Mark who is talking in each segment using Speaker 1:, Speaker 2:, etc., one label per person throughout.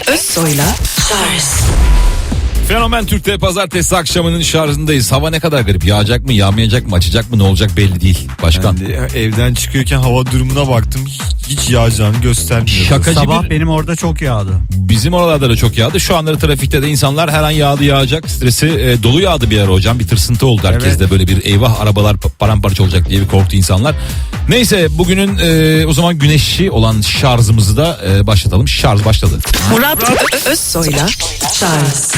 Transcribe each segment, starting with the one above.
Speaker 1: Özsoy'la Şarj.
Speaker 2: Fenomen Türk'te pazartesi akşamının şarjındayız. Hava ne kadar garip. Yağacak mı, yağmayacak mı, açacak mı, ne olacak belli değil. Başkan.
Speaker 3: Ben de evden çıkıyorken hava durumuna baktım. Hiç yağacağını göstermiyor.
Speaker 2: Şakacı
Speaker 4: Sabah
Speaker 2: bir...
Speaker 4: benim orada çok yağdı.
Speaker 2: Bizim oralarda da çok yağdı. Şu anları trafikte de insanlar her an yağacak stresi dolu yağdı bir ara hocam. Bir tırsıntı oldu herkeste,
Speaker 4: Evet.
Speaker 2: böyle bir eyvah arabalar paramparça olacak diye bir korktu insanlar. Neyse bugünün o zaman güneşli olan şarjımızı da başlatalım. Şarj başladı.
Speaker 1: Murat Özsoy'la Şarj.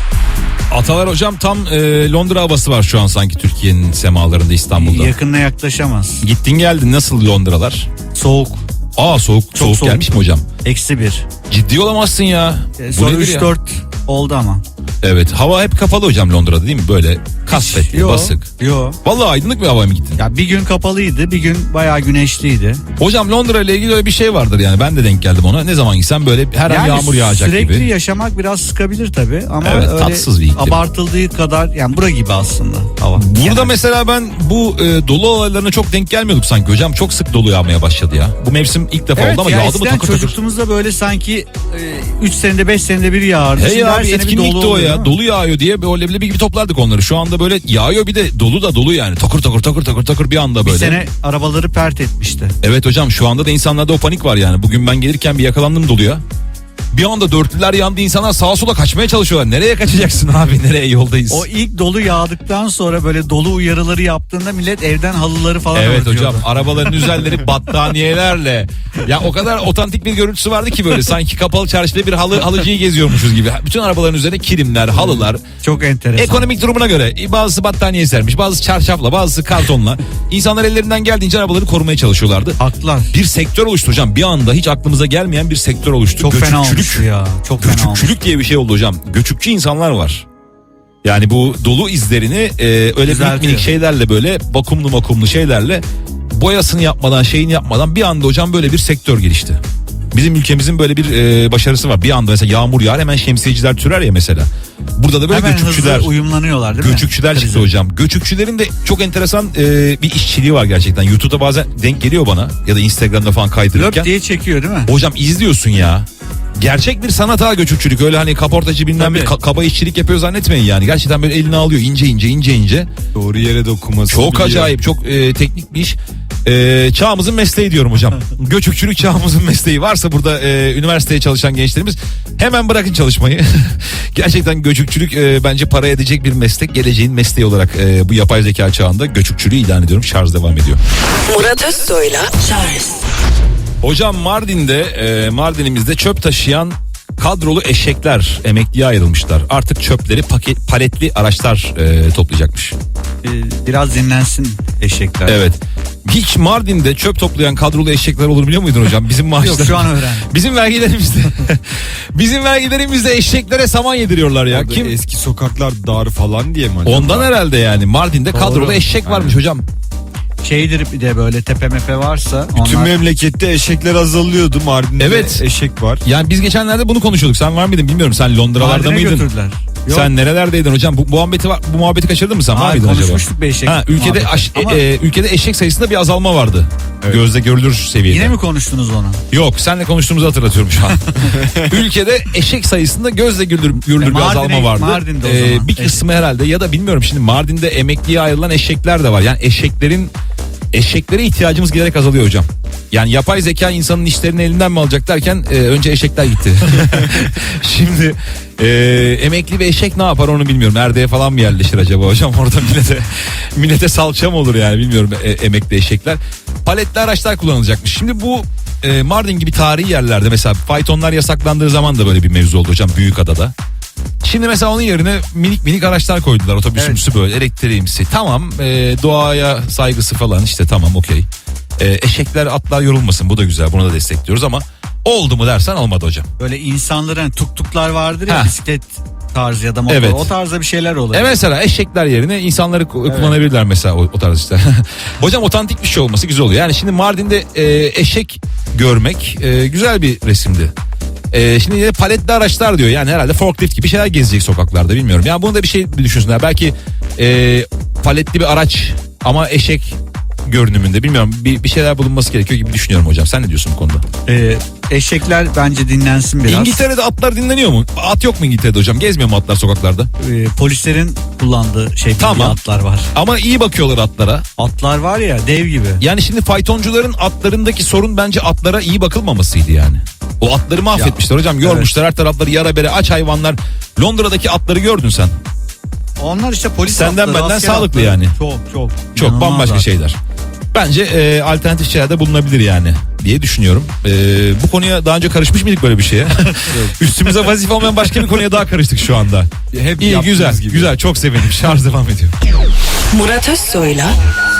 Speaker 2: Atalar hocam tam Londra havası var şu an sanki Türkiye'nin semalarında, İstanbul'da.
Speaker 4: Yakınına yaklaşamaz.
Speaker 2: Gittin geldin, nasıl Londralar?
Speaker 4: Soğuk.
Speaker 2: Soğuk
Speaker 4: soğuk.
Speaker 2: gelmiş mi hocam?
Speaker 4: -1.
Speaker 2: Ciddi olamazsın ya. Bu
Speaker 4: Sonra
Speaker 2: nedir ya?
Speaker 4: 3-4 oldu ama.
Speaker 2: Evet, hava hep kapalı hocam Londra'da değil mi? Böyle kasvetli, basık.
Speaker 4: Yo.
Speaker 2: Vallahi aydınlık bir havaya mı gittin?
Speaker 4: Ya bir gün kapalıydı, bir gün bayağı güneşliydi.
Speaker 2: Hocam Londra ile ilgili öyle bir şey vardır yani, ben de denk geldim ona. Ne zaman gitsem böyle her an yağmur yağacak
Speaker 4: sürekli
Speaker 2: gibi.
Speaker 4: yaşamak biraz sıkabilir tabii ama
Speaker 2: Evet,
Speaker 4: öyle
Speaker 2: tatsız bir iklim.
Speaker 4: abartıldığı kadar, yani bura gibi aslında hava.
Speaker 2: Burada
Speaker 4: Yani
Speaker 2: mesela ben bu dolu olaylarına çok denk gelmiyorduk sanki hocam. Çok sık dolu yağmaya başladı ya. Bu mevsim ilk defa
Speaker 4: evet,
Speaker 2: oldu ama
Speaker 4: ya
Speaker 2: yağdı mı
Speaker 4: eskiden
Speaker 2: takır takır.
Speaker 4: çocukluğumuzda böyle sanki 3 senede 5 senede bir yağardı.
Speaker 2: Hey
Speaker 4: Şimdi
Speaker 2: ya,
Speaker 4: her
Speaker 2: bir
Speaker 4: sene bir
Speaker 2: etkinlikti
Speaker 4: dolu
Speaker 2: o
Speaker 4: oluyor,
Speaker 2: ya.
Speaker 4: değil mi?
Speaker 2: Dolu yağıyor diye böyle leblebi gibi toplardık onları. Şu anda böyle yağıyor, bir de dolu yani. Takır takır bir anda böyle.
Speaker 4: Bir sene arabaları pert etmişti.
Speaker 2: Evet hocam, şu anda da insanlarda o panik var yani. Bugün ben gelirken bir yakalandım doluya. Bir anda dörtlüler yandı, insanlar sağa sola kaçmaya çalışıyorlar. Nereye kaçacaksın abi, nereye, yoldayız.
Speaker 4: O ilk dolu yağdıktan sonra böyle dolu uyarıları yaptığında millet evden halıları falan
Speaker 2: Evet
Speaker 4: örtüyordu.
Speaker 2: hocam, arabaların üzerleri battaniyelerle. Ya o kadar otantik bir görüntüsü vardı ki, böyle sanki kapalı çarşıda bir halıcıyı geziyormuşuz gibi. Bütün arabaların üzerine kilimler, halılar.
Speaker 4: Çok enteresan.
Speaker 2: Ekonomik durumuna göre bazısı battaniye sermiş, bazısı çarşafla, bazısı kartonla. İnsanlar ellerinden geldiğince arabaları korumaya çalışıyorlardı.
Speaker 4: Haklılar.
Speaker 2: Bir sektör oluştu hocam, bir anda hiç aklımıza gelmeyen bir sektör oluştu.
Speaker 4: Çok fena
Speaker 2: Göçükçülük.
Speaker 4: olmuş ya. Çok fena olmuş.
Speaker 2: Göçükçülük diye bir şey oldu hocam. Göçükçü insanlar var. Yani bu dolu izlerini öyle
Speaker 4: Düzeltiyor.
Speaker 2: minik şeylerle, böyle vakumlu şeylerle, boyasını yapmadan, şeyini yapmadan bir anda hocam böyle bir sektör gelişti. Bizim ülkemizin böyle bir başarısı var. Bir anda mesela yağmur yağar, hemen şemsiyeciler türer ya mesela. Burada da böyle
Speaker 4: Hemen
Speaker 2: göçükçüler.
Speaker 4: hızlı uyumlanıyorlar değil mi?
Speaker 2: Göçükçüler çıktı hocam. Göçükçülerin de çok enteresan bir işçiliği var gerçekten. YouTube'da bazen denk geliyor bana, ya da Instagram'da falan kaydırırken.
Speaker 4: Löp diye çekiyor değil mi?
Speaker 2: Hocam izliyorsun ya. Gerçek bir sanat ha göçükçülük. Öyle hani kaportacı bilmem bir kaba işçilik yapıyor zannetmeyin yani. Gerçekten böyle elini alıyor ince.
Speaker 3: Doğru yere dokunması.
Speaker 2: Çok
Speaker 3: biliyor.
Speaker 2: acayip, çok teknik bir iş. Çağımızın mesleği diyorum hocam. Göçükçülük çağımızın mesleği. Varsa burada üniversiteye çalışan gençlerimiz, hemen bırakın çalışmayı. Gerçekten göçükçülük bence para edecek bir meslek. Geleceğin mesleği olarak bu yapay zeka çağında göçükçülüğü ilan ediyorum. Şarj devam ediyor.
Speaker 1: Murat Özsoy'la Şarj.
Speaker 2: Hocam Mardin'imizde çöp taşıyan kadrolu eşekler emekliye ayrılmışlar. Artık çöpleri paletli araçlar toplayacakmış.
Speaker 4: Biraz dinlensin eşekler.
Speaker 2: Evet. Hiç Mardin'de çöp toplayan kadrolu eşekler olur biliyor muydun hocam? Bizim maaşlar.
Speaker 4: Yok, şu an öğrendim.
Speaker 2: Bizim vergilerimizde eşeklere saman yediriyorlar ya.
Speaker 3: Orada
Speaker 2: Kim?
Speaker 3: eski sokaklar dar falan diye mi acaba?
Speaker 2: Ondan herhalde yani. Mardin'de
Speaker 4: Doğru.
Speaker 2: kadrolu eşek varmış hocam.
Speaker 4: Şeydir, bir de böyle tepe mepe varsa
Speaker 3: Bütün
Speaker 4: onlar...
Speaker 3: memlekette eşekler azalıyordu. Mardin'de
Speaker 2: Evet.
Speaker 3: eşek var.
Speaker 2: Yani biz geçenlerde bunu konuşuyorduk. Sen var mıydın bilmiyorum. Sen Londralarda
Speaker 4: Mardin'e
Speaker 2: mıydın?
Speaker 4: götürdüler. Yok.
Speaker 2: Sen nerelerdeydin hocam? Bu muhabbeti kaçırdın mı sen? Var
Speaker 4: Hayır,
Speaker 2: mıydın acaba?
Speaker 4: konuşmuştuk bir eşek
Speaker 2: Ülkede
Speaker 4: muhabbeti. Ama
Speaker 2: ülkede eşek sayısında bir azalma vardı.
Speaker 3: Evet.
Speaker 2: Gözle görülür seviyede.
Speaker 4: yine mi konuştunuz onu?
Speaker 2: Yok, seninle konuştuğumuzu hatırlatıyorum şu an. Ülkede eşek sayısında gözle görülür bir azalma vardı.
Speaker 4: Mardin'de o zaman.
Speaker 2: Bir kısmı herhalde, ya da bilmiyorum, şimdi Mardin'de emekliye ayrılan eşekler de var. Yani eşeklere ihtiyacımız giderek azalıyor hocam. Yani yapay zeka insanın işlerini elinden mi alacak derken önce eşekler gitti. Şimdi emekli bir eşek ne yapar onu bilmiyorum. Erdeye falan mı yerleşir acaba hocam? Orada millete salça mı olur yani, bilmiyorum emekli eşekler. Paletli araçlar kullanılacakmış. Şimdi bu Mardin gibi tarihi yerlerde mesela faytonlar yasaklandığı zaman da böyle bir mevzu oldu hocam, Büyükada'da. Şimdi mesela onun yerine minik araçlar koydular, otobüsümsü böyle elektriğimsi. Tamam, doğaya saygısı falan işte, tamam okey. Eşekler, atlar yorulmasın, bu da güzel, bunu da destekliyoruz ama oldu mu dersen olmadı hocam.
Speaker 4: Böyle insanların tuktuklar vardır ya, bisiklet tarzı ya da motor,
Speaker 2: Evet.
Speaker 4: o tarzda bir şeyler oluyor.
Speaker 2: Mesela eşekler yerine insanları kullanabilirler mesela o tarz işte. Hocam otantik bir şey olması güzel oluyor. Yani şimdi Mardin'de eşek görmek güzel bir resimdi. Şimdi yine paletli araçlar diyor. Yani herhalde forklift gibi şeyler gezecek sokaklarda, bilmiyorum. Yani bunu da bir şey düşünsünler. Belki paletli bir araç ama eşek görünümünde bilmiyorum bir şeyler bulunması gerekiyor gibi düşünüyorum hocam. Sen ne diyorsun bu konuda?
Speaker 4: Eşekler bence dinlensin biraz.
Speaker 2: İngiltere'de atlar dinleniyor mu? At yok mu İngiltere'de hocam? Gezmiyor mu atlar sokaklarda?
Speaker 4: Polislerin kullandığı
Speaker 2: Tamam.
Speaker 4: atlar var.
Speaker 2: Ama iyi bakıyorlar atlara.
Speaker 4: Atlar var ya, dev gibi.
Speaker 2: Yani şimdi faytoncuların atlarındaki sorun bence atlara iyi bakılmamasıydı yani. O atları mahvetmişler hocam. Yormuşlar her tarafları yara bere, aç hayvanlar. Londra'daki atları gördün sen.
Speaker 4: Onlar işte polis
Speaker 2: Senden
Speaker 4: atları,
Speaker 2: benden
Speaker 4: asker
Speaker 2: sağlıklı
Speaker 4: atları.
Speaker 2: yani.
Speaker 4: Çok.
Speaker 2: Çok
Speaker 4: İnanılmaz
Speaker 2: bambaşka
Speaker 4: zaten.
Speaker 2: şeyler. Bence alternatif şeyler de bulunabilir yani diye düşünüyorum. Bu konuya daha önce karışmış mıydık böyle bir şeye? Üstümüze vazife olmayan başka bir konuya daha karıştık şu anda.
Speaker 3: Hep
Speaker 2: İyi,
Speaker 3: yaptığımız
Speaker 2: güzel
Speaker 3: gibi.
Speaker 2: güzel, çok sevindim. Şarj devam ediyor.
Speaker 1: Murat Özsoy'la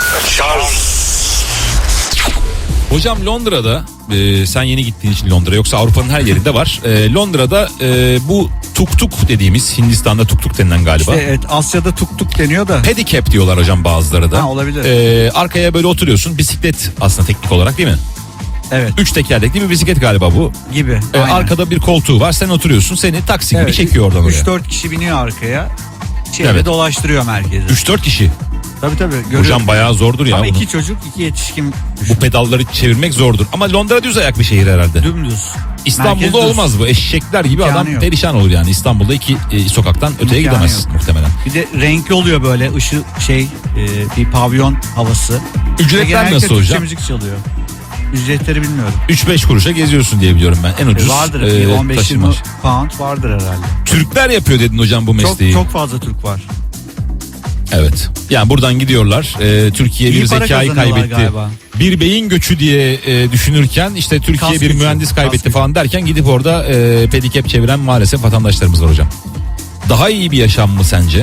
Speaker 2: Hocam Londra'da sen yeni gittiğin için Londra, yoksa Avrupa'nın her yerinde var. Londra'da bu tuk tuk dediğimiz, Hindistan'da tuk tuk denilen galiba.
Speaker 4: İşte evet, Asya'da tuk tuk deniyor da.
Speaker 2: Pedicab diyorlar hocam bazıları da.
Speaker 4: Ha, olabilir.
Speaker 2: Arkaya böyle oturuyorsun, bisiklet aslında teknik olarak değil mi?
Speaker 4: Evet.
Speaker 2: 3 tekerlekli bir bisiklet galiba bu.
Speaker 4: Gibi. Aynen.
Speaker 2: Arkada bir koltuğu var, sen oturuyorsun, seni taksi gibi
Speaker 4: Evet,
Speaker 2: çekiyor oradan oraya.
Speaker 4: 3-4 kişi biniyor arkaya. Çevre
Speaker 2: Evet.
Speaker 4: dolaştırıyor merkezi.
Speaker 2: 3-4 kişi.
Speaker 4: Tabii görüyorum.
Speaker 2: Hocam bayağı zordur ya.
Speaker 4: Ama
Speaker 2: bunu.
Speaker 4: 2 çocuk 2 yetişkin
Speaker 2: Bu pedalları çevirmek zordur. Ama Londra düz ayak bir şehir herhalde.
Speaker 4: dümdüz.
Speaker 2: İstanbul'da
Speaker 4: Merkez düz.
Speaker 2: olmaz bu. Eşekler gibi
Speaker 4: İmkanı
Speaker 2: adam
Speaker 4: yok.
Speaker 2: perişan olur yani. İstanbul'da iki sokaktan öteye
Speaker 4: İmkanı
Speaker 2: gidemez
Speaker 4: yok.
Speaker 2: muhtemelen.
Speaker 4: Bir de renkli oluyor böyle ışık bir pavyon havası.
Speaker 2: Ücretler
Speaker 4: Ve genellikle
Speaker 2: nasıl
Speaker 4: Türkçe
Speaker 2: hocam?
Speaker 4: müzik çalıyor. Ücretleri bilmiyorum.
Speaker 2: 3-5 kuruşa geziyorsun diye biliyorum ben. En ucuz
Speaker 4: Vardır. 15-20
Speaker 2: taşıma.
Speaker 4: pound vardır herhalde.
Speaker 2: Türkler yapıyor dedin hocam bu
Speaker 4: Çok,
Speaker 2: mesleği.
Speaker 4: çok fazla Türk var.
Speaker 2: Evet. Yani buradan gidiyorlar. Türkiye
Speaker 4: İyi
Speaker 2: bir
Speaker 4: para
Speaker 2: zekayı
Speaker 4: kazanıyorlar
Speaker 2: kaybetti.
Speaker 4: galiba.
Speaker 2: Bir beyin göçü diye düşünürken işte Türkiye
Speaker 4: Kas
Speaker 2: bir
Speaker 4: gücü,
Speaker 2: mühendis
Speaker 4: kas
Speaker 2: kaybetti
Speaker 4: gücü.
Speaker 2: falan derken gidip orada pedikep çeviren maalesef vatandaşlarımız var hocam. Daha iyi bir yaşam mı sence?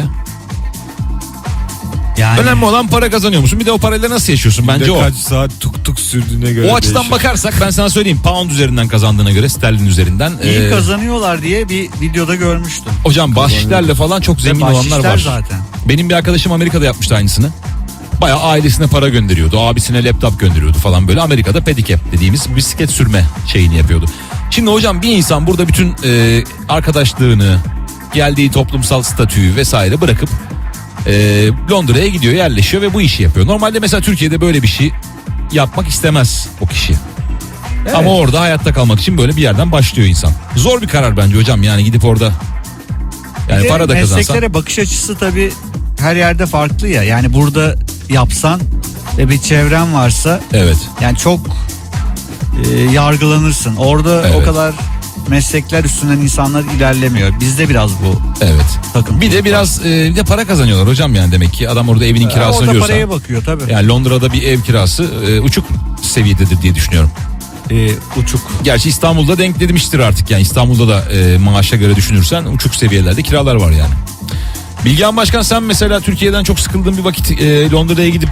Speaker 4: Yani
Speaker 2: Önemli olan para kazanıyor musun? Bir de o parayla nasıl yaşıyorsun? Bence o.
Speaker 3: Kaç saat tuk tuk sürdüğüne göre
Speaker 2: O açıdan
Speaker 3: değişiyor.
Speaker 2: bakarsak ben sana söyleyeyim, pound üzerinden kazandığına göre, sterlin üzerinden.
Speaker 4: iyi kazanıyorlar diye bir videoda görmüştüm.
Speaker 2: Hocam bahşişlerle falan çok zengin olanlar
Speaker 4: bahşişler
Speaker 2: var.
Speaker 4: zaten.
Speaker 2: Benim bir arkadaşım Amerika'da yapmıştı aynısını. Bayağı ailesine para gönderiyordu. Abisine laptop gönderiyordu falan böyle. Amerika'da pedicab dediğimiz bisiklet sürme şeyini yapıyordu. Şimdi hocam bir insan burada bütün arkadaşlığını, geldiği toplumsal statüyü vesaire bırakıp Londra'ya gidiyor, yerleşiyor ve bu işi yapıyor. Normalde mesela Türkiye'de böyle bir şey yapmak istemez o kişi.
Speaker 4: Evet.
Speaker 2: Ama orada hayatta kalmak için böyle bir yerden başlıyor insan. Zor bir karar bence hocam, yani gidip orada yani
Speaker 4: Bir de
Speaker 2: para da kazansan.
Speaker 4: mesleklere bakış açısı tabii her yerde farklı ya. Yani burada yapsan ve bir çevren varsa
Speaker 2: Evet.
Speaker 4: yani çok yargılanırsın. Orada
Speaker 2: Evet.
Speaker 4: o kadar meslekler üstünden insanlar ilerlemiyor. Bizde biraz bu
Speaker 2: Evet.
Speaker 4: takıntı.
Speaker 2: Bir de biraz bir de para kazanıyorlar hocam, yani demek ki adam orada evinin kirasını
Speaker 4: orada
Speaker 2: ödüyorsa.
Speaker 4: paraya bakıyor tabii.
Speaker 2: Yani Londra'da bir ev kirası uçuk seviyededir diye düşünüyorum.
Speaker 4: Uçuk.
Speaker 2: Gerçi İstanbul'da denk demiştir artık, yani İstanbul'da da maaşa göre düşünürsen uçuk seviyelerde kiralar var yani. Bilgehan Başkan, sen mesela Türkiye'den çok sıkıldığın bir vakit Londra'ya gidip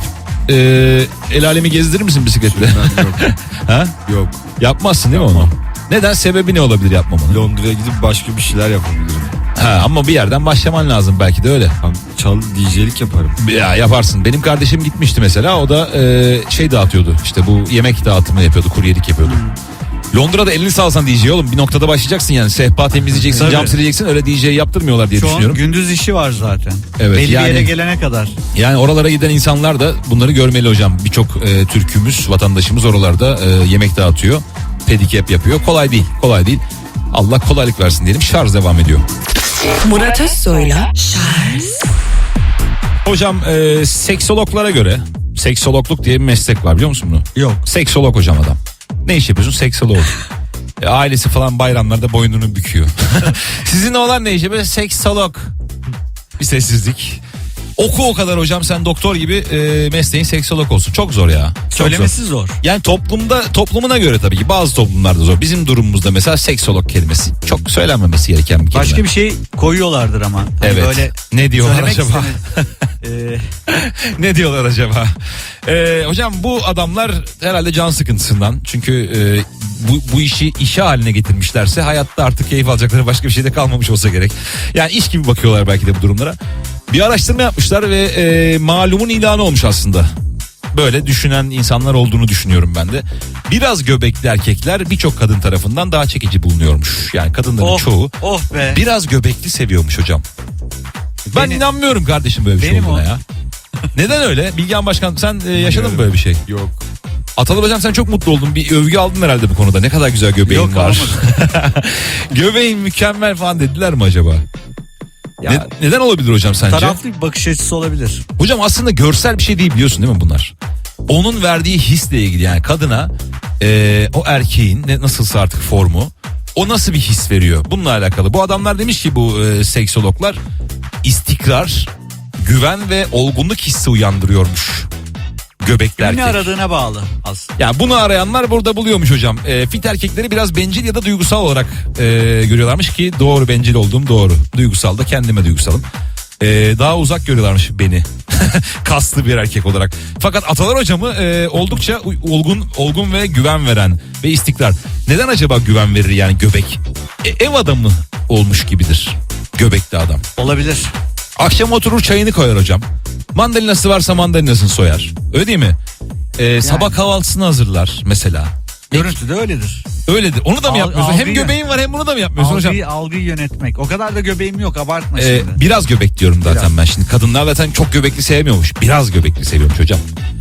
Speaker 2: el alemi gezdirir misin bisikletle?
Speaker 3: Ben yok.
Speaker 2: Ha?
Speaker 3: Yok.
Speaker 2: Yapmazsın değil mi onu? Neden? Sebebi ne olabilir yapmamanın?
Speaker 3: Londra'ya gidip başka bir şeyler yapabilirim.
Speaker 2: Ha, ama bir yerden başlaman lazım belki de öyle.
Speaker 3: Çal DJ'lik yaparım.
Speaker 2: Ya yaparsın. Benim kardeşim gitmişti mesela. O da şey dağıtıyordu. İşte bu yemek dağıtımı yapıyordu. Kuryelik yapıyordu. Londra'da elini salsan DJ oğlum. Bir noktada başlayacaksın yani. Sehpa temizleyeceksin,
Speaker 4: Tabii.
Speaker 2: cam sileceksin. Öyle DJ yaptırmıyorlar diye
Speaker 4: Şu an
Speaker 2: düşünüyorum.
Speaker 4: gündüz işi var zaten.
Speaker 2: Evet,
Speaker 4: Belli
Speaker 2: yani-
Speaker 4: bir yere gelene kadar.
Speaker 2: Yani oralara giden insanlar da bunları görmeli hocam. Birçok Türk'ümüz, vatandaşımız oralarda yemek dağıtıyor. Pedicab yapıyor. Kolay değil. Kolay değil. Allah kolaylık versin diyelim. Şarj devam ediyor.
Speaker 1: Murat Özsoy'la Charles
Speaker 2: Hocam seksologlara göre, seksologluk diye bir meslek var, biliyor musun bunu?
Speaker 4: Yok.
Speaker 2: Seksolog hocam adam. Ne iş yapıyorsun? Seksolog. Ailesi falan bayramlarda boynunu büküyor. Sizin oğlan ne işi? Böyle seksolog. Bir sessizlik. Oku o kadar hocam, sen doktor gibi mesleğin seksolog olsun. Çok zor ya. Çok zor.
Speaker 4: Söylemesi zor.
Speaker 2: Yani toplumuna göre tabii ki bazı toplumlarda zor. Bizim durumumuzda mesela seksolog kelimesi çok söylenmemesi gereken bir kelime.
Speaker 4: Başka bir şey koyuyorlardır ama. Hani
Speaker 2: Evet.
Speaker 4: Böyle
Speaker 2: Ne diyorlar
Speaker 4: söylemek
Speaker 2: acaba?
Speaker 4: istemez.
Speaker 2: Ne diyorlar acaba? Hocam bu adamlar herhalde can sıkıntısından. Çünkü bu işi işe haline getirmişlerse hayatta artık keyif alacakları başka bir şey de kalmamış olsa gerek. Yani iş gibi bakıyorlar belki de bu durumlara. Bir araştırma yapmışlar ve malumun ilanı olmuş aslında. Böyle düşünen insanlar olduğunu düşünüyorum ben de. Biraz göbekli erkekler birçok kadın tarafından daha çekici bulunuyormuş. Yani kadınların çoğu
Speaker 4: Oh be.
Speaker 2: biraz göbekli seviyormuş hocam. Ben
Speaker 4: Benim-
Speaker 2: inanmıyorum kardeşim böyle bir şey
Speaker 4: Benim
Speaker 2: olduğuna
Speaker 4: o.
Speaker 2: ya. Neden öyle? Bilgehan Başkan sen yaşadın mı böyle bir şey?
Speaker 3: Yok.
Speaker 2: Atalar hocam sen çok mutlu oldun. Bir övgü aldın herhalde bu konuda. Ne kadar güzel göbeğin
Speaker 4: Yok,
Speaker 2: var. Göbeğin mükemmel falan dediler mi acaba?
Speaker 4: Ya,
Speaker 2: Neden olabilir hocam sence?
Speaker 4: taraflı bir bakış açısı olabilir.
Speaker 2: Hocam aslında görsel bir şey değil biliyorsun değil mi bunlar? Onun verdiği hisle ilgili yani kadına o erkeğin nasılsa artık formu o nasıl bir his veriyor? Bununla alakalı. Bu adamlar demiş ki bu seksologlar istikrar, güven ve olgunluk hissi uyandırıyormuş göbekli
Speaker 4: Ne
Speaker 2: erkek.
Speaker 4: aradığına bağlı aslında.
Speaker 2: Ya bunu arayanlar burada buluyormuş hocam. Fit erkekleri biraz bencil ya da duygusal olarak görüyorlarmış ki doğru, bencil olduğum doğru. Duygusal da kendime duygusalım. Daha uzak görüyorlarmış beni. Kaslı bir erkek olarak. Fakat Atalar hocamı oldukça olgun ve güven veren ve istikrar. Neden acaba güven verir yani göbek? Ev adamı olmuş gibidir göbekli adam.
Speaker 4: Olabilir.
Speaker 2: Akşam oturur çayını koyar hocam. Mandalinası varsa mandalinasını soyar. Öyle değil mi? Sabah kahvaltısını hazırlar mesela.
Speaker 4: Görüntü de öyledir.
Speaker 2: Öyledir. Onu da mı yapmıyorsun? Hem
Speaker 4: algıyı-
Speaker 2: göbeğin var hem bunu da mı yapmıyorsun hocam?
Speaker 4: Algıyı yönetmek. O kadar da göbeğim yok, abartma şimdi.
Speaker 2: Biraz göbek diyorum zaten
Speaker 4: Biraz.
Speaker 2: ben şimdi. Kadınlar zaten çok göbekli sevmiyormuş. Biraz göbekli seviyormuş hocam.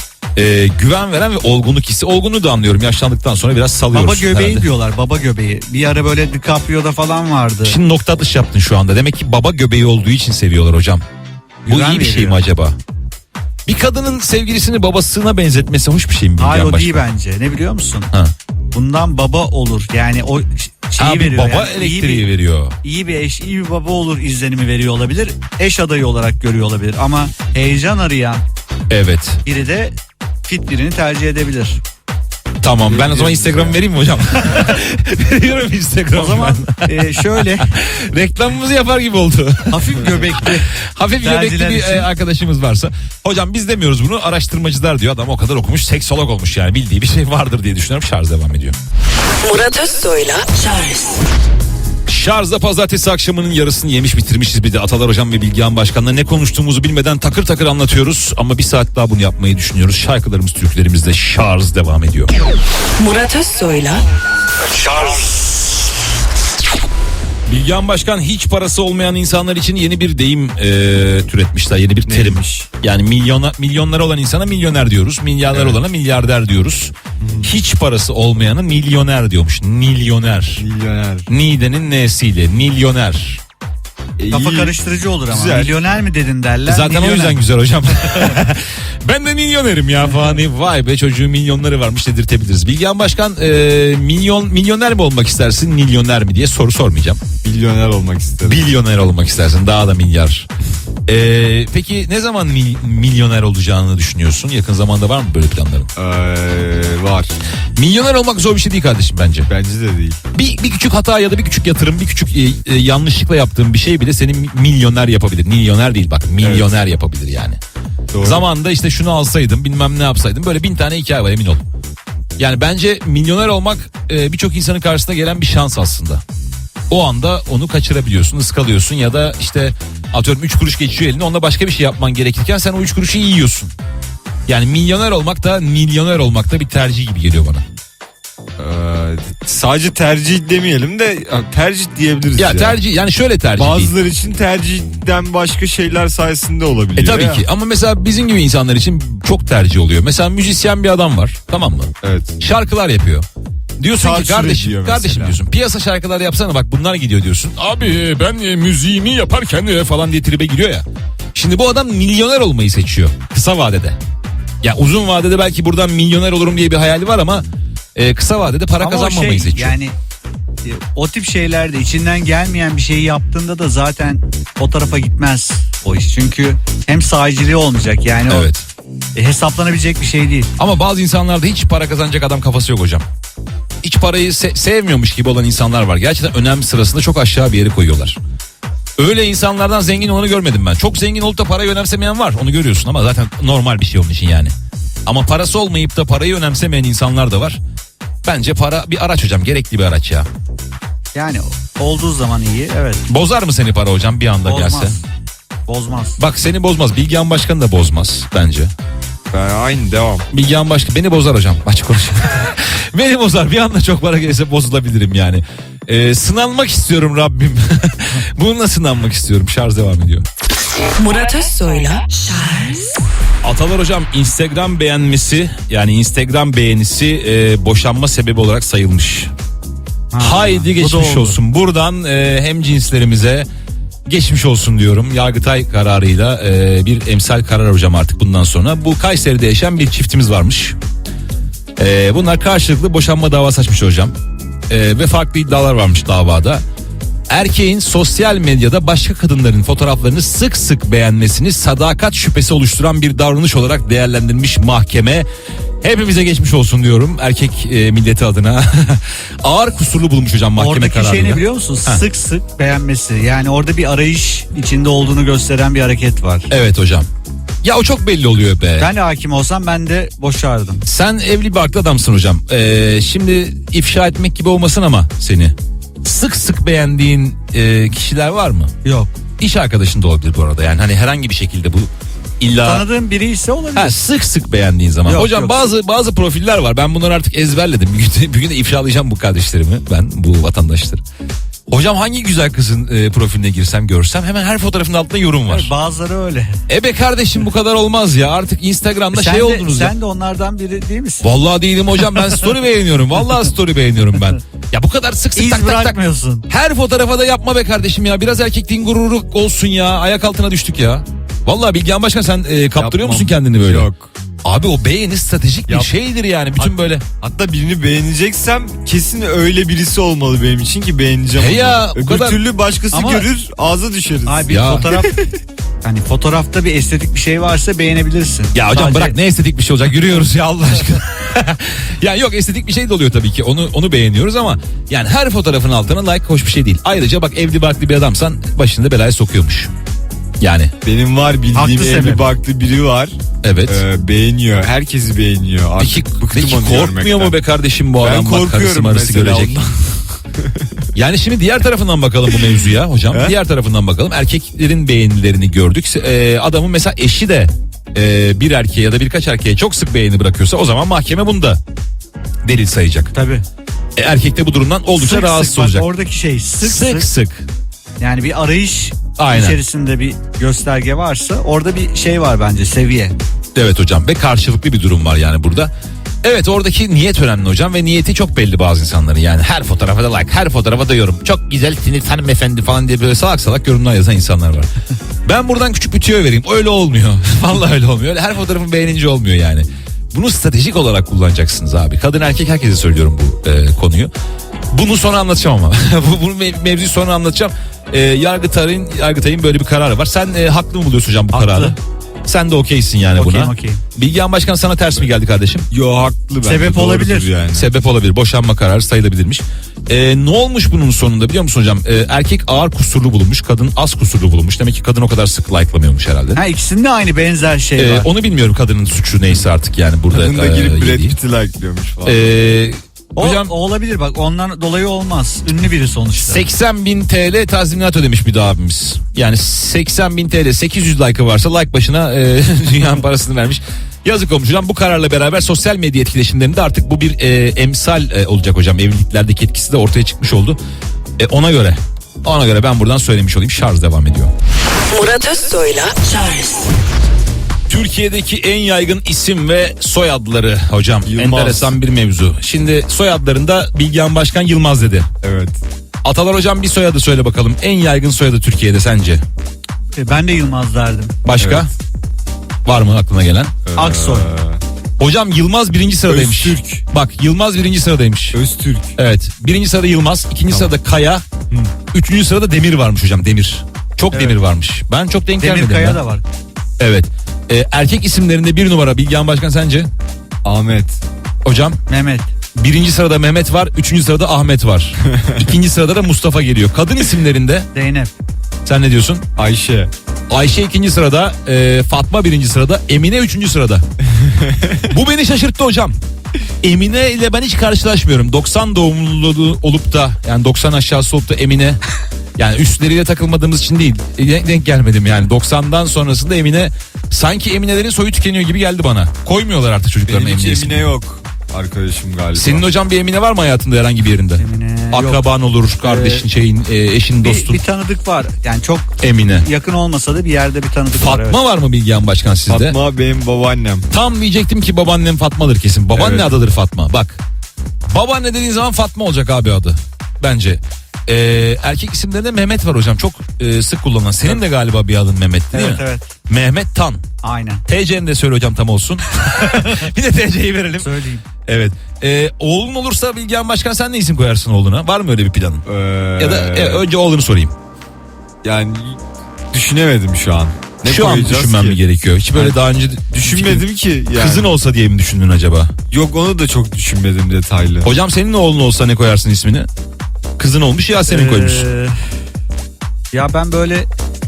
Speaker 2: Güven veren ve olgunluk hissi. Olgunluğu da anlıyorum. Yaşlandıktan sonra biraz salıyoruz.
Speaker 4: Baba göbeği
Speaker 2: herhalde.
Speaker 4: diyorlar, baba göbeği. Bir ara böyle DiCaprio'da falan vardı.
Speaker 2: Şimdi nokta atış yaptın şu anda. Demek ki baba göbeği olduğu için seviyorlar hocam. Bu
Speaker 4: Güven
Speaker 2: iyi bir şey
Speaker 4: veriyor.
Speaker 2: mi acaba? Bir kadının sevgilisini babasına benzetmesi hoş bir şey mi?
Speaker 4: Hayır,
Speaker 2: Bilgehan
Speaker 4: o değil
Speaker 2: Başkan?
Speaker 4: bence. Ne biliyor musun?
Speaker 2: Ha.
Speaker 4: Bundan baba olur. Yani o şeyi
Speaker 2: Abi
Speaker 4: veriyor.
Speaker 2: baba
Speaker 4: yani.
Speaker 2: elektriği veriyor.
Speaker 4: İyi bir eş, iyi bir baba olur izlenimi veriyor olabilir. Eş adayı olarak görüyor olabilir. Ama heyecan arayan
Speaker 2: Evet.
Speaker 4: biri de fit birini tercih edebilir.
Speaker 2: Tamam ben o zaman Instagram'ı vereyim mi hocam? Veriyorum Instagram'ı.
Speaker 4: O zaman şöyle
Speaker 2: Reklamımızı yapar gibi oldu.
Speaker 4: hafif göbekli.
Speaker 2: Hafif göbekli
Speaker 4: Tercihler
Speaker 2: bir
Speaker 4: için.
Speaker 2: arkadaşımız varsa. Hocam biz demiyoruz bunu, araştırmacılar diyor. Adam o kadar okumuş, seksolog olmuş yani, bildiği bir şey vardır diye düşünüyorum. Şarj devam ediyor.
Speaker 1: Murat Özsoy'la Charles
Speaker 2: Şarjda pazartesi akşamının yarısını yemiş bitirmişiz. Bir de Atalar hocam ve Bilgehan Başkan'la ne konuştuğumuzu bilmeden takır takır anlatıyoruz. Ama bir saat daha bunu yapmayı düşünüyoruz. Şarkılarımız, türkülerimizde şarj devam ediyor.
Speaker 1: Murat Özsoy'la
Speaker 2: Bilgehan Başkan, hiç parası olmayan insanlar için yeni bir deyim türetmişler. Yeni bir terim.
Speaker 3: Neymiş?
Speaker 2: Yani milyonları olan insana milyoner diyoruz. Milyarlar olana milyarder diyoruz. Hiç parası olmayanı milyoner diyormuş. Milyoner.
Speaker 3: Milyoner.
Speaker 2: Nide'nin n'siyle milyoner.
Speaker 4: Kafa
Speaker 3: İyi.
Speaker 4: karıştırıcı olur ama.
Speaker 3: Güzel.
Speaker 4: Milyoner mi dedin derler.
Speaker 2: Zaten
Speaker 4: milyoner.
Speaker 2: o yüzden güzel hocam. Ben de milyonerim ya falan deyip vay be çocuğun milyonları varmış dedirtebiliriz. Bilgehan Başkan milyoner mi olmak istersin, milyoner mi diye soru sormayacağım.
Speaker 3: Milyoner olmak isterim.
Speaker 2: Milyoner olmak istersin, daha da milyar. Peki ne zaman milyoner olacağını düşünüyorsun? Yakın zamanda var mı böyle planların?
Speaker 3: Var.
Speaker 2: Milyoner olmak zor bir şey değil kardeşim bence.
Speaker 3: Bence de değil.
Speaker 2: Bir küçük hata ya da bir küçük yatırım, bir küçük yanlışlıkla yaptığın bir şey bile seni milyoner yapabilir. Milyoner değil bak, milyoner yapabilir yani.
Speaker 3: Doğru.
Speaker 2: Zamanında işte şunu alsaydım, bilmem ne yapsaydım, böyle 1000 tane hikaye var, emin ol. Yani bence milyoner olmak birçok insanın karşısına gelen bir şans aslında. O anda onu kaçırabiliyorsun, ıskalıyorsun ya da işte atıyorum 3 kuruş geçiyor eline, onda başka bir şey yapman gerekirken sen o 3 kuruşu yiyorsun. Yani milyoner olmak da milyoner olmak da bir tercih gibi geliyor bana.
Speaker 3: Sadece tercih demeyelim de tercih diyebiliriz.
Speaker 2: Ya tercih, yani şöyle tercih değil.
Speaker 3: Bazıları için tercihten başka şeyler sayesinde olabiliyor.
Speaker 2: Tabii
Speaker 3: ya.
Speaker 2: ki, ama mesela bizim gibi insanlar için çok tercih oluyor. Mesela müzisyen bir adam var, tamam mı?
Speaker 3: Evet.
Speaker 2: Şarkılar yapıyor. Diyorsun
Speaker 3: Çarçur
Speaker 2: ki kardeşim,
Speaker 3: ediyor
Speaker 2: kardeşim
Speaker 3: mesela.
Speaker 2: diyorsun, piyasa şarkıları yapsana bak bunlar gidiyor diyorsun. Abi ben müziğimi yaparken falan diye tribe giriyor ya. Şimdi bu adam milyoner olmayı seçiyor kısa vadede. Ya uzun vadede belki buradan milyoner olurum diye bir hayali var ama kısa vadede para
Speaker 4: Ama o
Speaker 2: kazanmamayı seçiyor.
Speaker 4: Yani o tip şeylerde içinden gelmeyen bir şeyi yaptığında da zaten o tarafa gitmez o iş. Çünkü hem sahiciliği olmayacak yani
Speaker 2: Evet.
Speaker 4: o hesaplanabilecek bir şey değil.
Speaker 2: Ama bazı insanlarda hiç para kazanacak adam kafası yok hocam. Hiç parayı sevmiyormuş gibi olan insanlar var. Gerçekten önem sırasında çok aşağı bir yere koyuyorlar. Öyle insanlardan zengin olanı görmedim ben. Çok zengin olup da parayı önemsemeyen var. Onu görüyorsun ama zaten normal bir şey onun için yani. Ama parası olmayıp da parayı önemsemeyen insanlar da var. Bence para bir araç hocam. Gerekli bir araç ya.
Speaker 4: Yani olduğu zaman iyi, evet.
Speaker 2: Bozar mı seni para hocam bir anda
Speaker 4: Bozmaz.
Speaker 2: gelse?
Speaker 4: Bozmaz.
Speaker 2: Bak seni bozmaz. Bilgehan Başkan da bozmaz bence.
Speaker 3: Aynı devam.
Speaker 2: Bilgehan Başkan beni bozar hocam. Açık konuşayım. Beni bozar. Bir anda çok para gelirse bozulabilirim yani. Sınanmak istiyorum Rabbim. Bununla sınanmak istiyorum. Şarj devam ediyor.
Speaker 1: Murat Özsoy'la Charles
Speaker 2: Atalar hocam Instagram beğenmesi yani Instagram beğenisi boşanma sebebi olarak sayılmış. Haydi
Speaker 4: bu da
Speaker 2: geçmiş
Speaker 4: oldu.
Speaker 2: olsun. Buradan hem cinslerimize geçmiş olsun diyorum. Yargıtay kararıyla bir emsal karar hocam artık bundan sonra. Bu Kayseri'de yaşayan bir çiftimiz varmış. Bunlar karşılıklı boşanma davası açmış hocam. Ve farklı iddialar varmış davada. Erkeğin sosyal medyada başka kadınların fotoğraflarını sık sık beğenmesini sadakat şüphesi oluşturan bir davranış olarak değerlendirmiş mahkeme. Hepimize geçmiş olsun diyorum erkek milleti adına. Ağır kusurlu bulmuş hocam mahkeme
Speaker 4: Oradaki
Speaker 2: kararıyla.
Speaker 4: şey ne biliyor musun? Sık sık beğenmesi. Yani orada bir arayış içinde olduğunu gösteren bir hareket var.
Speaker 2: Evet hocam. Ya o çok belli oluyor be.
Speaker 4: Ben de hakim olsam ben de boşardım.
Speaker 2: Sen evli bir barklı adamsın hocam. Şimdi ifşa etmek gibi olmasın ama seni. Sık sık beğendiğin kişiler var mı?
Speaker 4: Yok.
Speaker 2: İş arkadaşın da olabilir bu arada. Yani hani herhangi bir şekilde bu illa...
Speaker 4: Tanıdığım biri ise olabilir.
Speaker 2: Ha, sık sık beğendiğin zaman.
Speaker 4: Yok,
Speaker 2: Hocam
Speaker 4: yok.
Speaker 2: bazı profiller var. Ben bunları artık ezberledim. Bir gün de ifşalayacağım bu kardeşlerimi. Ben bu vatandaşları. Hocam hangi güzel kızın profiline girsem görsem hemen her fotoğrafın altında yorum var.
Speaker 4: Evet, bazıları öyle.
Speaker 2: Be kardeşim bu kadar olmaz ya. Artık Instagram'da şey oldunuz ya.
Speaker 4: Sen de onlardan biri değil misin?
Speaker 2: Vallahi değilim hocam, ben story beğeniyorum. Vallahi story beğeniyorum ben. Ya bu kadar sık sık
Speaker 4: İz
Speaker 2: tak tak tak.
Speaker 4: bırakmıyorsun.
Speaker 2: Her fotoğrafa da yapma be kardeşim ya. Biraz erkekliğin gururu olsun ya. Ayak altına düştük ya. Vallahi Bilgehan Başkan sen kaptırıyor
Speaker 3: Yapmam.
Speaker 2: musun kendini böyle?
Speaker 3: Yok.
Speaker 2: Abi o beğeni stratejik bir
Speaker 3: Yap.
Speaker 2: şeydir yani. Bütün böyle.
Speaker 3: Hatta birini beğeneceksem kesin öyle birisi olmalı benim için ki beğeneceğim.
Speaker 2: He ya,
Speaker 3: onu.
Speaker 2: o
Speaker 3: Öbür
Speaker 2: kadar-
Speaker 3: türlü başkası
Speaker 4: Ama-
Speaker 3: görür ağza düşeriz.
Speaker 4: Ay bir
Speaker 2: Ya.
Speaker 4: fotoğraf hani fotoğrafta bir estetik bir şey varsa beğenebilirsin.
Speaker 2: Ya hocam
Speaker 4: Sadece-
Speaker 2: bırak, ne estetik bir şey olacak, yürüyoruz ya Allah aşkına. Ya yok, estetik bir şey de oluyor tabii ki, onu beğeniyoruz ama yani her fotoğrafın altına like hoş bir şey değil. Ayrıca bak, evli barklı bir adamsan başını da belaya sokuyormuş. Yani
Speaker 3: Benim var bildiğim
Speaker 4: Haklı
Speaker 3: evli
Speaker 4: sebep.
Speaker 3: barklı biri var.
Speaker 2: evet.
Speaker 3: Beğeniyor. Herkesi beğeniyor. Artık
Speaker 2: Peki
Speaker 3: bıktım onu
Speaker 2: korkmuyor
Speaker 3: görmekten.
Speaker 2: mu be kardeşim bu
Speaker 3: Ben
Speaker 2: adam, bak karısı
Speaker 3: korkuyorum
Speaker 2: marısı
Speaker 3: mesela
Speaker 2: görecek.
Speaker 3: ondan.
Speaker 2: Yani şimdi diğer tarafından bakalım bu mevzuya hocam.
Speaker 3: He?
Speaker 2: Diğer tarafından bakalım. Erkeklerin beğenilerini gördük. Adamın mesela eşi de bir erkeğe ya da birkaç erkeğe çok sık beğeni bırakıyorsa o zaman mahkeme bunu da delil sayacak.
Speaker 4: Tabii.
Speaker 2: Erkek de bu durumdan oldukça
Speaker 4: Sık
Speaker 2: rahatsız
Speaker 4: sık, bak
Speaker 2: olacak.
Speaker 4: oradaki şey sık
Speaker 2: Sık.
Speaker 4: yani bir arayış
Speaker 2: Aynen.
Speaker 4: içerisinde bir gösterge varsa orada bir şey var bence, seviye.
Speaker 2: Evet hocam, ve karşılıklı bir durum var yani burada. Evet, oradaki niyet önemli hocam ve niyeti çok belli bazı insanların, yani her fotoğrafa da like, her fotoğrafa da yorum. Çok güzelsiniz hanımefendi falan diye böyle salak salak yorumlar yazan insanlar var. Ben buradan küçük bir tüyo vereyim, öyle olmuyor. Vallahi öyle olmuyor. Öyle her fotoğrafın beğenince olmuyor yani. Bunu stratejik olarak kullanacaksınız abi. Kadın erkek herkese söylüyorum bu konuyu. Bunu sonra anlatacağım ama. Bunu mevzuyu sonra anlatacağım. Yargıtay'ın böyle bir kararı var. Sen haklı mı buluyorsun hocam bu
Speaker 4: Haklı.
Speaker 2: kararı? Sen de okeysin yani buna.
Speaker 4: Okeyim.
Speaker 2: Bilgehan Başkan sana ters mi geldi kardeşim?
Speaker 3: Yo, haklı bence.
Speaker 4: Sebep
Speaker 3: doğrudur
Speaker 4: olabilir.
Speaker 3: yani.
Speaker 2: Sebep olabilir. Boşanma kararı sayılabilirmiş. Ne olmuş bunun sonunda biliyor musun hocam? Erkek ağır kusurlu bulunmuş, kadın az kusurlu bulunmuş. Demek ki kadın o kadar sık like'lamıyormuş herhalde.
Speaker 4: Ha, ikisinde aynı benzer şey var.
Speaker 2: Onu bilmiyorum, kadının suçu neyse artık yani burada.
Speaker 3: Kadın da girip Brad
Speaker 2: yediği.
Speaker 3: Pitt'i likeliyormuş falan.
Speaker 2: Hocam
Speaker 4: O olabilir bak, ondan dolayı olmaz. Ünlü biri sonuçta.
Speaker 2: 80.000 TL tazminat ödemiş bir de abimiz. Yani 80.000 TL, 800 like'ı varsa like başına dünyanın parasını vermiş. Yazık olmuş hocam. Bu kararla beraber sosyal medya etkileşimlerinde artık bu bir emsal olacak hocam. Evliliklerdeki etkisi de ortaya çıkmış oldu. Ona göre ben buradan söylemiş olayım. Şarj devam ediyor.
Speaker 1: Murat Özsoy'la Charles
Speaker 2: Türkiye'deki en yaygın isim ve soyadları hocam.
Speaker 3: Yılmaz.
Speaker 2: Enteresan bir mevzu. Şimdi soyadlarında Bilgehan Başkan Yılmaz dedi.
Speaker 3: Evet.
Speaker 2: Atalar hocam bir soyadı söyle bakalım. En yaygın soyadı Türkiye'de sence?
Speaker 4: Ben de Yılmaz derdim.
Speaker 2: Başka?
Speaker 3: Evet.
Speaker 2: Var mı aklına gelen?
Speaker 4: Aksoy.
Speaker 2: Hocam Yılmaz birinci sıradaymış.
Speaker 3: Öztürk.
Speaker 2: Bak, Yılmaz birinci sıradaymış.
Speaker 3: Öztürk.
Speaker 2: Evet. Birinci sırada Yılmaz. İkinci sırada Kaya. Üçüncü sırada Demir varmış hocam. Demir. Çok
Speaker 4: Evet.
Speaker 2: Demir varmış. Ben çok denk
Speaker 4: Demir
Speaker 2: gelmedim.
Speaker 4: Kaya
Speaker 2: ya.
Speaker 4: da var.
Speaker 2: Evet. Erkek isimlerinde bir numara Bilgehan Başkan sence?
Speaker 3: Ahmet.
Speaker 2: Hocam
Speaker 4: Mehmet.
Speaker 2: birinci sırada Mehmet var. Üçüncü sırada Ahmet var. İkinci sırada da Mustafa geliyor. Kadın isimlerinde
Speaker 4: Zeynep.
Speaker 2: sen ne diyorsun?
Speaker 3: Ayşe.
Speaker 2: Ayşe ikinci sırada, Fatma birinci sırada, Emine üçüncü sırada. Bu beni şaşırttı hocam. Emine ile ben hiç karşılaşmıyorum. 90 doğumlu olup da, yani 90 aşağısı olup da Emine, yani üstleriyle takılmadığımız için değil, denk gelmedim yani. 90'dan sonrasında Emine, sanki Eminelerin soyu tükeniyor gibi geldi bana. Koymuyorlar artık çocuklarına
Speaker 3: Benim
Speaker 2: Emine
Speaker 3: hiç
Speaker 2: ismini.
Speaker 3: Emine yok. arkadaşım galiba.
Speaker 2: Senin hocam bir Emine var mı hayatında herhangi bir yerinde?
Speaker 4: Emine
Speaker 2: Akraban olur, kardeşin, eşin, dostun.
Speaker 4: Bir tanıdık var. Yani çok
Speaker 2: Emine.
Speaker 4: yakın olmasa da bir yerde bir tanıdık var.
Speaker 2: Fatma
Speaker 4: Evet.
Speaker 2: var mı Bilgehan Başkan sizde?
Speaker 3: Fatma benim babaannem.
Speaker 2: Tam diyecektim ki babaannem Fatma'dır kesin. Babaanne
Speaker 3: Evet.
Speaker 2: adıdır Fatma. Bak. Babaanne dediğin zaman Fatma olacak abi adı. Bence. Erkek isimlerinde Mehmet var hocam. Çok sık kullanılan. Senin de galiba bir adın Mehmet değil
Speaker 4: Evet
Speaker 2: mi?
Speaker 4: evet.
Speaker 2: Mehmet Tan.
Speaker 4: Aynen.
Speaker 2: TC'ni de söyle hocam tam olsun. Bir de TC'yi verelim.
Speaker 4: Söyleyeyim.
Speaker 2: Evet. Oğlun olursa Bilgehan Başkan sen ne isim koyarsın oğluna? Var mı öyle bir planın? Ya da önce oğlunu sorayım.
Speaker 3: Yani düşünemedim şu an. Ne
Speaker 2: Şu an
Speaker 3: koyacağız
Speaker 2: düşünmem
Speaker 3: ki?
Speaker 2: mi gerekiyor? Hiç böyle daha önce
Speaker 3: Düşünmedim ki. Yani.
Speaker 2: Kızın olsa diye mi düşündün acaba?
Speaker 3: Yok, onu da çok düşünmedim detaylı.
Speaker 2: Hocam senin oğlun olsa ne koyarsın ismini? Kızın olmuş ya senin koymuşsun.
Speaker 4: Ya ben böyle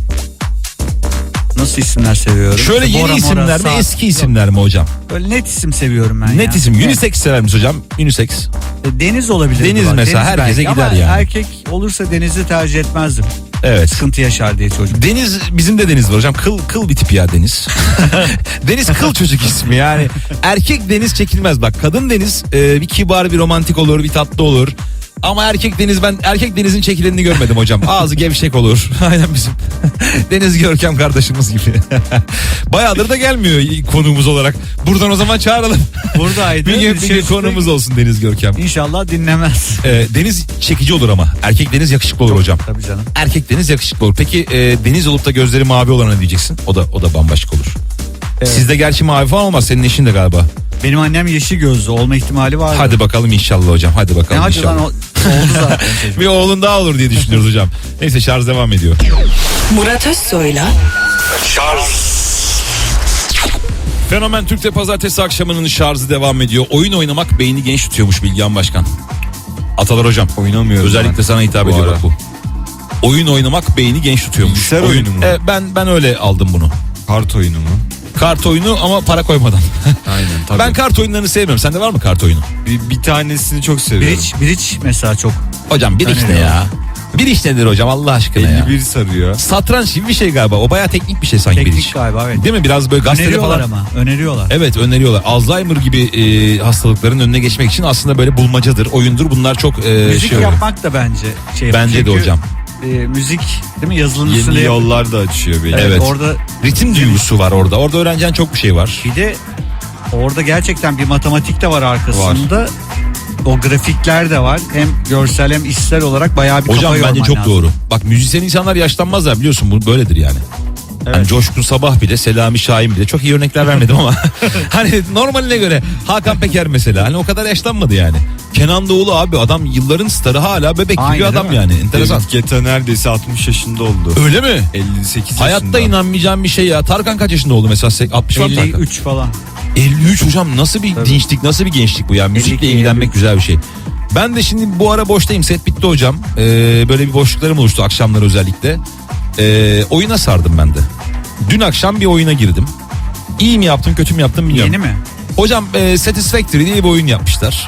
Speaker 4: nasıl isimler seviyorum?
Speaker 2: Şöyle
Speaker 4: İşte
Speaker 2: yeni
Speaker 4: Bora,
Speaker 2: isimler
Speaker 4: Mora,
Speaker 2: mi
Speaker 4: Saat.
Speaker 2: eski isimler mi hocam?
Speaker 4: Böyle net isim seviyorum ben ya.
Speaker 2: Net isim.
Speaker 4: Evet.
Speaker 2: Unisex sever misin hocam? Unisex.
Speaker 4: Deniz olabilir.
Speaker 2: Deniz mesela, herkese
Speaker 4: belki.
Speaker 2: gider
Speaker 4: Ama
Speaker 2: yani.
Speaker 4: erkek olursa Deniz'i tercih etmezdim.
Speaker 2: Evet.
Speaker 4: Sıkıntı yaşar diye çocuk.
Speaker 2: Deniz, bizim de Deniz var hocam. Kıl bir tip ya Deniz. Deniz kıl çocuk ismi yani. Erkek Deniz çekilmez bak. Kadın Deniz bir kibar, bir romantik olur, bir tatlı olur. Ama erkek Deniz, ben erkek Deniz'in çekilenini görmedim hocam. Ağzı gevşek olur. Aynen bizim Deniz Görkem kardeşimiz gibi. Bayağıdır da gelmiyor konuğumuz olarak. Buradan o zaman çağıralım.
Speaker 4: Buradaydı.
Speaker 2: bir gün konuğumuz olsun Deniz Görkem.
Speaker 4: İnşallah dinlemez.
Speaker 2: Deniz çekici olur ama. Erkek Deniz yakışıklı olur hocam.
Speaker 4: Tabii canım.
Speaker 2: Erkek Deniz yakışıklı olur. Peki Deniz olup da gözleri mavi olana ne diyeceksin? O da bambaşka olur.
Speaker 4: Evet.
Speaker 2: Sizde gerçi mavi falan olmaz. Senin eşin de galiba.
Speaker 4: Benim annem yeşil gözlü olma ihtimali var.
Speaker 2: Hadi bakalım inşallah hocam. Hadi
Speaker 4: Ne
Speaker 2: bakalım
Speaker 4: hadi lan
Speaker 2: inşallah.
Speaker 4: oldu zaten çocuk.
Speaker 2: Bir oğlun daha olur diye düşünüyoruz hocam. Neyse şarj devam ediyor.
Speaker 1: Murat Özsoy'la
Speaker 2: Fenomen Türk'te pazartesi akşamının şarjı devam ediyor. Oyun oynamak beyni genç tutuyormuş Bilgehan Başkan. Atalar hocam.
Speaker 3: Oynamıyorum
Speaker 2: Özellikle
Speaker 3: ben
Speaker 2: sana hitap
Speaker 3: bu
Speaker 2: ediyor
Speaker 3: ara.
Speaker 2: bak bu. Oyun oynamak beyni genç tutuyormuş.
Speaker 3: Bilgisayar oyunu mu?
Speaker 2: Ben öyle aldım bunu.
Speaker 3: Kart oyunu mu?
Speaker 2: Kart oyunu ama para koymadan.
Speaker 3: Aynen tabii.
Speaker 2: Ben kart oyunlarını sevmiyorum. Sende var mı kart oyunu?
Speaker 3: bir tanesini çok seviyorum.
Speaker 4: Bridge mesela çok.
Speaker 2: Hocam bir iş ne ya? Bir iş nedir hocam Allah aşkına ya?
Speaker 3: 51 sarıyor.
Speaker 2: Satranç gibi bir şey galiba. O bayağı teknik bir şey sanki bir iş.
Speaker 4: Teknik galiba evet.
Speaker 2: Değil mi? Biraz böyle gazetede
Speaker 4: Öneriyorlar
Speaker 2: falan.
Speaker 4: ama. Öneriyorlar.
Speaker 2: Evet öneriyorlar. Alzheimer gibi hastalıkların önüne geçmek için aslında böyle bulmacadır, oyundur. Bunlar çok
Speaker 4: Müzik
Speaker 2: şey oluyor.
Speaker 4: yapmak da bence şey.
Speaker 2: Bence de
Speaker 4: Çünkü,
Speaker 2: hocam.
Speaker 4: müzik değil mi yazılımın
Speaker 3: Yeni
Speaker 4: üstüne
Speaker 3: yollar da açıyor beni.
Speaker 2: Evet.
Speaker 4: Orada
Speaker 2: Ritim duygusu var orada. Orada öğreneceğin çok bir şey var.
Speaker 4: bir de orada gerçekten bir matematik de var arkasında. O grafikler de var. Hem görsel hem işsel olarak bayağı bir
Speaker 2: Hocam
Speaker 4: kafa
Speaker 2: bence
Speaker 4: yorman
Speaker 2: çok
Speaker 4: lazım.
Speaker 2: doğru. Bak müzisyen insanlar yaşlanmazlar biliyorsun bu böyledir yani. Hani Coşkun Sabah bile, Selami Şahin bile çok iyi örnekler vermedim ama hani normaline göre Hakan Peker mesela hani o kadar yaşlanmadı yani. Kenan Doğulu abi adam yılların starı hala bebek gibi
Speaker 4: Aynen,
Speaker 2: adam
Speaker 4: değil mi?
Speaker 2: yani enteresan.
Speaker 3: David Guetta neredeyse 60 yaşında oldu.
Speaker 2: Öyle mi?
Speaker 3: 58 yaşında.
Speaker 2: Hayatta inanmayacağım bir şey ya. Tarkan kaç yaşında oldu mesela? 60 var mı Tarkan?
Speaker 4: 53 falan.
Speaker 2: 53 hocam nasıl bir
Speaker 4: Tabii.
Speaker 2: dinçlik nasıl bir gençlik bu ya. Müzikle
Speaker 4: 52,
Speaker 2: ilgilenmek
Speaker 4: 53.
Speaker 2: güzel bir şey. Ben de şimdi bu ara boştayım set bitti hocam. Böyle bir boşluklarım oluştu akşamlar özellikle. Oyuna sardım ben de. Dün akşam bir oyuna girdim. İyi mi yaptım kötü mü yaptım bilmiyorum.
Speaker 4: Yeni mi?
Speaker 2: Hocam Satisfactory diye bir oyun yapmışlar.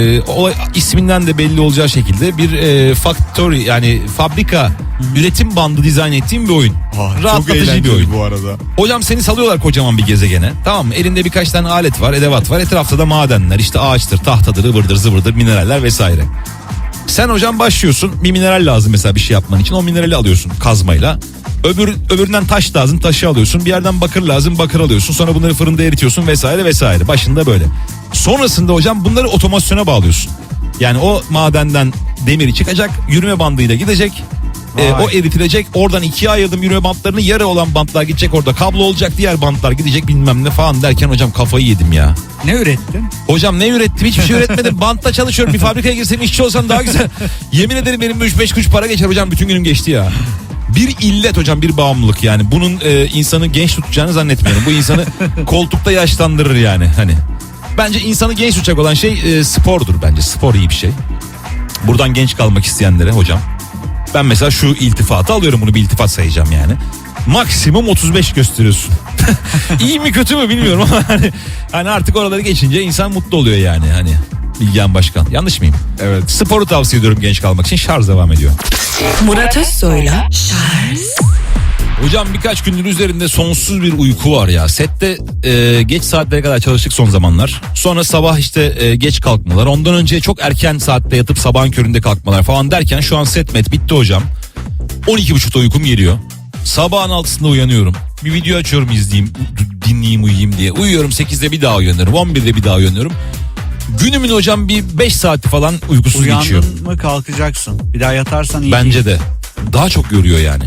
Speaker 2: İsminden de belli olacağı şekilde bir factory yani fabrika üretim bandı dizayn ettiğim bir oyun.
Speaker 3: Çok
Speaker 2: Rahatlatıcı bir
Speaker 3: eğlenceli
Speaker 2: oyun.
Speaker 3: bu arada.
Speaker 2: Hocam seni salıyorlar kocaman bir gezegene. Tamam mı? Elinde birkaç tane alet var, edevat var. Etrafta da madenler, işte ağaçtır, tahtadır, ıvırdır, zıvırdır, mineraller vesaire. Sen hocam başlıyorsun. Bir mineral lazım mesela bir şey yapman için. O minerali alıyorsun kazmayla. Öbüründen taş lazım, taşı alıyorsun. Bir yerden bakır lazım, bakır alıyorsun. Sonra bunları fırında eritiyorsun vesaire vesaire. Başında böyle. Sonrasında hocam bunları otomasyona bağlıyorsun. Yani o madenden demiri çıkacak, yürüme bandıyla gidecek. O eritilecek. Oradan ikiye ayırdım yürüme bantlarını. Yarı olan bantlar gidecek orada. Kablo olacak, diğer bantlar gidecek bilmem ne falan derken hocam kafayı yedim ya.
Speaker 4: Ne ürettin?
Speaker 2: Hocam ne ürettim? Hiçbir şey üretmedim. Bantla çalışıyorum. Bir fabrikaya girsem işçi olsam daha güzel. Yemin ederim benim 3-5 kuruş para geçer hocam. Bütün günüm geçti ya. Bir illet hocam, bir bağımlılık yani. Bunun insanı genç tutacağını zannetmiyorum. Bu insanı koltukta yaşlandırır yani. Hani bence insanı genç tutacak olan şey spordur bence. Spor iyi bir şey. Buradan genç kalmak isteyenlere hocam. Ben mesela şu iltifatı alıyorum, bunu bir iltifat sayacağım yani. Maksimum 35 gösteriyorsun. İyi mi kötü mü bilmiyorum ama hani artık oraları geçince insan mutlu oluyor yani hani. Bilgehan Başkan. Yanlış mıyım?
Speaker 3: Evet.
Speaker 2: Sporu tavsiye ediyorum genç kalmak için. Şarj devam ediyor.
Speaker 1: Murat Özsoy'la Charles
Speaker 2: Hocam birkaç gündür üzerinde sonsuz bir uyku var ya. Sette geç saatlere kadar çalıştık son zamanlar. Sonra sabah işte geç kalkmalar. Ondan önce çok erken saatte yatıp sabahın köründe kalkmalar falan derken şu an set bitti hocam. 12.30'da uykum geliyor. Sabahın 6'sında uyanıyorum. Bir video açıyorum, izleyeyim, dinleyeyim, uyuyayım diye. Uyuyorum, 8'de bir daha uyanıyorum. 11'de bir daha uyanıyorum. Günümün hocam bir 5 saati falan uykusuz geçiyor.
Speaker 4: Uyandın mı kalkacaksın. Bir daha yatarsan iyi
Speaker 2: Bence
Speaker 4: değil.
Speaker 2: de. Daha çok yoruyor yani.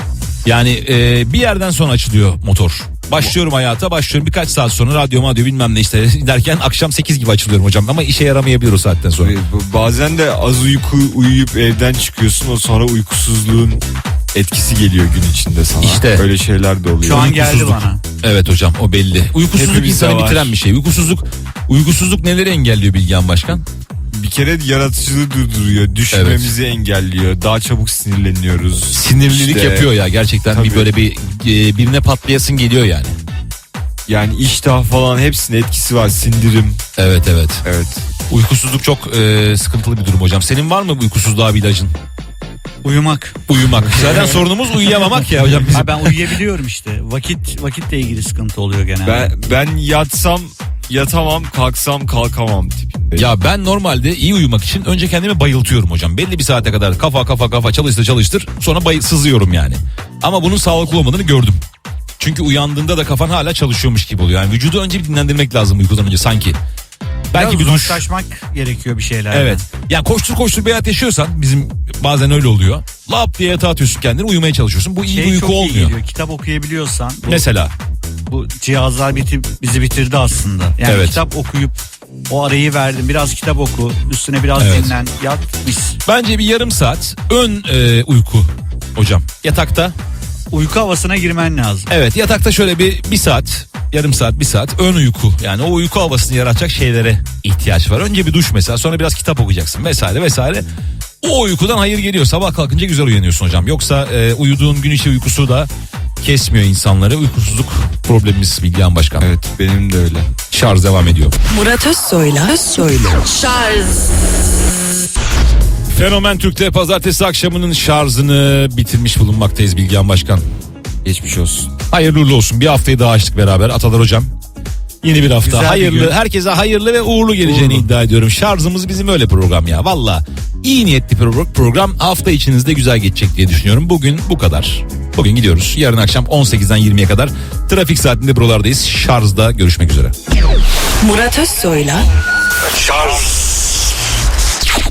Speaker 2: Yani bir yerden sonra açılıyor motor. Başlıyorum hayata, başlıyorum birkaç saat sonra radyo bilmem ne işte derken akşam 8 gibi açılıyorum hocam. Ama işe yaramayabilir o saatten sonra.
Speaker 3: Bazen de az uyuyup evden çıkıyorsun, o sonra uykusuzluğun etkisi geliyor gün içinde sana.
Speaker 2: İşte.
Speaker 3: Öyle şeyler de oluyor.
Speaker 4: Şu an geldi
Speaker 2: Uykusuzluk.
Speaker 4: bana.
Speaker 2: Evet hocam, o belli. Uykusuzluk
Speaker 3: Hepimizde
Speaker 2: insanı
Speaker 3: var.
Speaker 2: bitiren bir şey. Uykusuzluk neleri engelliyor Bilgehan Başkan?
Speaker 3: Bir kere yaratıcılığı durduruyor. Düşünmemizi engelliyor. Daha çabuk sinirleniyoruz.
Speaker 2: Sinirlilik
Speaker 3: İşte,
Speaker 2: yapıyor ya gerçekten.
Speaker 3: tabii.
Speaker 2: Bir böyle birine patlayasın geliyor yani.
Speaker 3: Yani iştah falan hepsinin etkisi var. Sindirim.
Speaker 2: Evet.
Speaker 3: Evet.
Speaker 2: Uykusuzluk çok sıkıntılı bir durum hocam. Senin var mı bu uykusuzluğa bir ilacın?
Speaker 4: Uyumak.
Speaker 2: Uyumak. Zaten sorunumuz uyuyamamak ya hocam bizim.
Speaker 4: Ha, ben uyuyabiliyorum işte. Vakitle ilgili sıkıntı oluyor genelde.
Speaker 3: Ben yatsam yatamam, kalksam kalkamam tipinde.
Speaker 2: Ya ben normalde iyi uyumak için önce kendimi bayıltıyorum hocam. Belli bir saate kadar kafa çalıştır sonra sızıyorum yani. Ama bunun sağlıklı olmadığını gördüm. Çünkü uyandığında da kafan hala çalışıyormuş gibi oluyor. Yani vücudu önce bir dinlendirmek lazım uykudan önce sanki. Belki bir duş.
Speaker 4: uzaklaşmak gerekiyor bir şeylerden.
Speaker 2: Evet. Yani koştur bir hayat yaşıyorsan bizim bazen öyle oluyor. Lap diye yatağa atıyorsun kendini, uyumaya çalışıyorsun. Bu iyi bir uyku
Speaker 4: çok iyi
Speaker 2: olmuyor.
Speaker 4: geliyor. Kitap okuyabiliyorsan.
Speaker 2: Mesela.
Speaker 4: Bu cihazlar bizi bitirdi aslında. Yani
Speaker 2: Evet.
Speaker 4: kitap okuyup o arayı verdim. Biraz kitap oku. Üstüne biraz
Speaker 2: Evet.
Speaker 4: dinlen. Yat mis.
Speaker 2: Bence bir yarım saat ön uyku hocam. Yatakta.
Speaker 4: Uyku havasına girmen lazım.
Speaker 2: Evet, yatakta şöyle bir saat, yarım saat, bir saat ön uyku. Yani o uyku havasını yaratacak şeylere ihtiyaç var. Önce bir duş mesela, sonra biraz kitap okuyacaksın vesaire. O uykudan hayır geliyor. Sabah kalkınca güzel uyanıyorsun hocam. Yoksa uyuduğun gün içi uykusu da kesmiyor insanları. Uykusuzluk problemimiz Bilgehan Başkan.
Speaker 3: Evet, benim de öyle.
Speaker 2: Şarj devam ediyor.
Speaker 1: Murat Özsoy'la
Speaker 2: Fenomen Türk'te pazartesi akşamının şarjını bitirmiş bulunmaktayız Bilgehan Başkan.
Speaker 3: Geçmiş olsun.
Speaker 2: Hayırlı uğurlu olsun. Bir haftayı daha açtık beraber Atalar hocam. Yeni bir hafta.
Speaker 4: Güzel bir
Speaker 2: Hayırlı,
Speaker 4: gün.
Speaker 2: herkese hayırlı ve uğurlu geleceğini iddia ediyorum. Şarjımız bizim öyle program ya. Valla iyi niyetli program, hafta içinizde güzel geçecek diye düşünüyorum. Bugün bu kadar. Bugün gidiyoruz. Yarın akşam 18'den 20'ye kadar trafik saatinde buralardayız. Şarjda görüşmek üzere.
Speaker 1: Murat Özsoy'la
Speaker 5: Şarj.